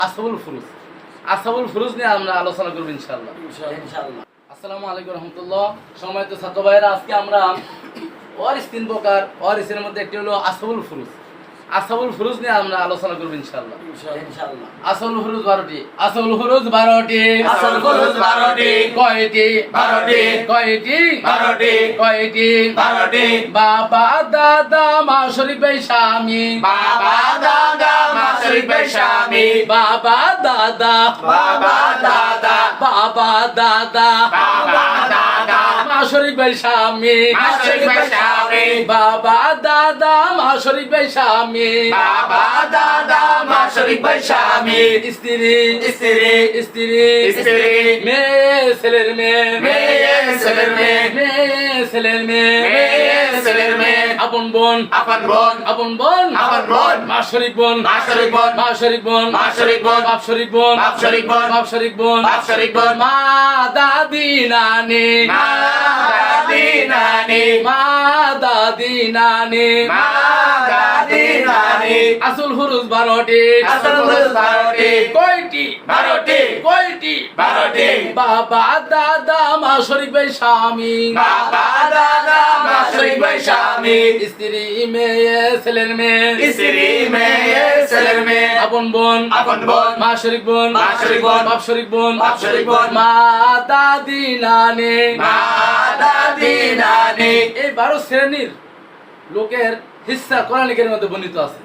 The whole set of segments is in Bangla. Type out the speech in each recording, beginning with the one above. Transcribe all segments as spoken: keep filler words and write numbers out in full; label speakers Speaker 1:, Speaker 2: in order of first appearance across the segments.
Speaker 1: আসহাবুল ফুরুজ আসহাবুল ফুরুজ নিয়ে আমরা আলোচনা করব ইনশাআল্লাহ ইনশাআল্লাহ। আসসালামু আলাইকুম রাহমাতুল্লাহ। সম্মানিত ছাত্র ভাইরা, আজকে আমরা ওয়ারিস তিন প্রকার, ওয়ারিসের মধ্যে একটি হলো আসহাবুল ফুরুজ। আসহাবুল ফুরুজ নিয়ে আমরা আলোচনা করব ইনশাআল্লাহ ইনশাআল্লাহ। আসহাবুল ফুরুজ বারোটি। আসহাবুল ফুরুজ বারোটি।
Speaker 2: আসহাবুল ফুরুজ বারোটি।
Speaker 1: কয়টি?
Speaker 2: বারোটি।
Speaker 1: কয়টি?
Speaker 2: বারোটি।
Speaker 1: কয়টি?
Speaker 2: বারোটি।
Speaker 1: বাবা দাদা মা শরীফ ভাই স্বামী।
Speaker 2: বাবা দাদা মা শরীফ ভাই স্বামী।
Speaker 1: বাবা দাদা
Speaker 2: বাবা দাদা
Speaker 1: বাবা দাদা
Speaker 2: বাবা দাদা
Speaker 1: মা শরীফ ভাই স্বামী।
Speaker 2: মা শরীফ ভাই স্বামী।
Speaker 1: বাবা দাদা মা শরীফ ভাই স্বামী।
Speaker 2: বাবা দাদা মা শরীফ ভাই স্বামী।
Speaker 1: স্ত্রী
Speaker 2: স্ত্রী
Speaker 1: স্ত্রী
Speaker 2: স্ত্রী
Speaker 1: মেয়ে ছেলের মেয়ে
Speaker 2: মেয়ে ছেলের মেয়ে
Speaker 1: মেয়ে ছেলের মেয়ে
Speaker 2: মেয়ে ছেলের মেয়ে
Speaker 1: আপন বোন
Speaker 2: আপন বোন
Speaker 1: আপন বোন
Speaker 2: আপন বোন
Speaker 1: মা শরীফ বোন
Speaker 2: মা শরীফ বোন
Speaker 1: মা শরীফ বোন
Speaker 2: মা শরীফ বোন
Speaker 1: বাপ শরীফ বোন
Speaker 2: বাপ শরীফ বোন
Speaker 1: বাপ শরীফ বোন
Speaker 2: বাপ শরীফ বোন
Speaker 1: মা দাদি নানি
Speaker 2: মা দাদি নানি
Speaker 1: মা দাদি নানি
Speaker 2: মা দাদি নানি
Speaker 1: আসল ফুরুজ বারোটি।
Speaker 2: আসহাবুল ফুরুজ বারোটি।
Speaker 1: কয়টি?
Speaker 2: বারোটি।
Speaker 1: কয়টি?
Speaker 2: বারোটি।
Speaker 1: বাবা দাদা মা শরীফ ভাই স্বামী।
Speaker 2: বাবা দাদা মা শরীফ ভাই স্বামী।
Speaker 1: স্ত্রী মেয়ে ছেলের মেয়ে
Speaker 2: স্ত্রী মেয়ে ছেলের মেয়ে
Speaker 1: আপন বোন
Speaker 2: আপন বোন
Speaker 1: মা শরীফ বোন
Speaker 2: মা শরীফ বোন
Speaker 1: বাপ শরীফ বোন
Speaker 2: বাপ শরীফ বোন
Speaker 1: মা দাদি নানি
Speaker 2: মা দাদি নানি
Speaker 1: এই বারো শ্রেণীর লোকের হিস্সা কোরআনের মধ্যে বর্ণিত আছে।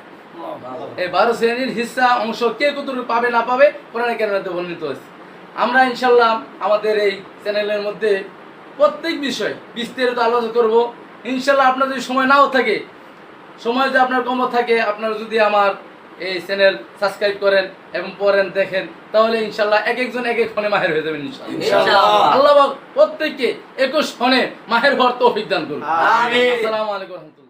Speaker 1: এই বারো শ্রেণীর হিস্সা অংশ কে কতটুকু পাবে না পাবে কোরআনের মধ্যে বর্ণিত আছে। আমরা ইনশাল্লাহ আমাদের এই চ্যানেলের মধ্যে প্রত্যেক বিষয় বিস্তারিত আলোচনা করব ইনশাল্লাহ। আপনার যদি সময় নাও থাকে, সময় যদি আপনার কম থাকে, আপনারা যদি আমার এই চ্যানেল সাবস্ক্রাইব করেন এবং পড়েন দেখেন, তাহলে ইনশাল্লাহ এক একজন এক এক ফোনে মাহের হয়ে যাবেন ইনশাল্লাহ। আল্লাহ পাক প্রত্যেককে একুশ ফোনে মাহের ভর তৌফিক দান করুন।
Speaker 2: আমিন।
Speaker 1: আসসালামু আলাইকুম।